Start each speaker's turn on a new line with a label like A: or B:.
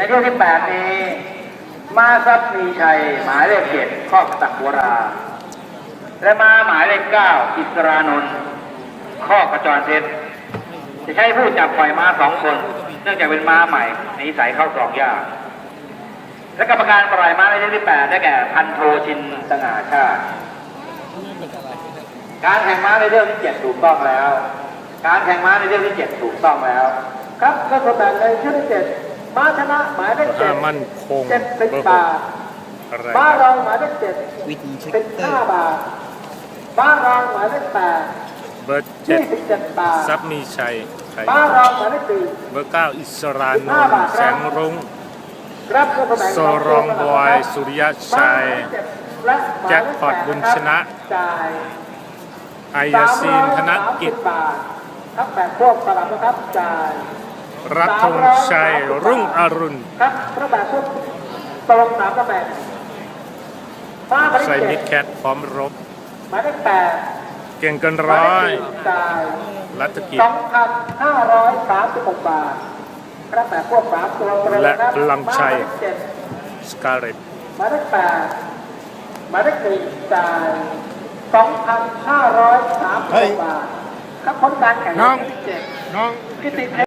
A: ช่วงที่8นี้ม้าทรัพย์มีชัยหมายเลข7ข้อตักบัวราและม้าหมายเลข9อิสรานนท์ข้อกระจรเพชรจะใช้ผู้จับปล่อยม้า2 คนเนื่องจากเป็นม้าใหม่นิสัยเข้ากรองยากและกรรมการปล่อยม้าในช่วงที่8ได้แก่พันโทชินสง่าชาติการแข่งม้าในเรื่องที่7ถูกต้องแล้วการแข่งม้าในเรื่องที่7ถูกต้องแล้วครับก็สมบูรณ์ในช่วงที่7ม้าชนะหมายเลข7
B: มั่นคง
A: 70 บาทม้ารองหมายเลข715 บาทม้ารองหมายเลข8
B: เบอร์7
A: บาท
B: ทรัพย์มีชัย
A: ม้ารองหมายเลข
B: เบอร์9อิสรานนท์แสงรุ่งโซรองบอยสุริยชัยแจ็คพอตบุญชนะไอยาซีนธนกิจ
A: ครับแปดพวกสลับนะครับจ่าย
B: รัฐธงชัยรุ่งอรุณ
A: ครับพระบาทพวกตรง3 ตำแหน่ง
B: ใส่มิดแคทพร้อมรบ
A: หมายเลข8
B: เก่งเกินร้อยรัฐกิจ
A: 2,536 บาทพระแบบพวก3 ตัว
B: และพลังชัยสกาเลต
A: หมายเลข8หมายเลข1จ่าย 2,536 บาทครับผลการแข่งขันที่7น้อง